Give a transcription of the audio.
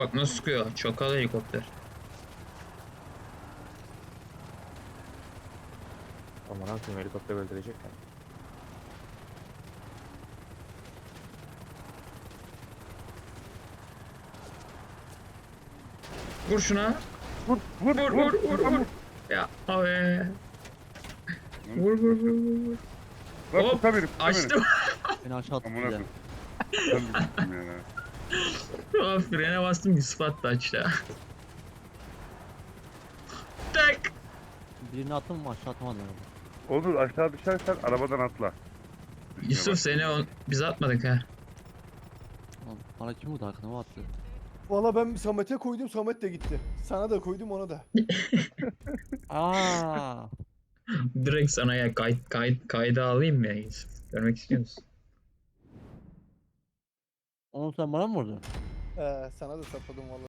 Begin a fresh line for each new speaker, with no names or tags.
Bak nasıl sıkıyor. Çakal helikopter.
Aman akım helikopter öldürecekler.
Vur şuna.
Vur vur
Vur vur vur vur. Ya abi. Vur vur vur vur. Vur.
Lan
Hop,
tuta beni tuta beni.
açtım.
Beni aşağı attı
Amına
bir de.
koyayım. Ben de gittim yani.
Abi frene bastım Yusuf attı aşağı. Tak.
Birini attım mı aşağı atamadım.
Olur aşağı düşersen arabadan atla. Düşmeye
Yusuf
bak.
seni biz atmadık ha.
Lan bana kim vurdu arkana attı.
Valla ben Samet'e koydum, Samet de gitti. Sana da koydum, ona da.
Aa.
Direkt sana ya kayda alayım mı ya Yusuf? Görmek istiyor musun?
Onu sen bana mı vurdun?
Sana da sapladım valla.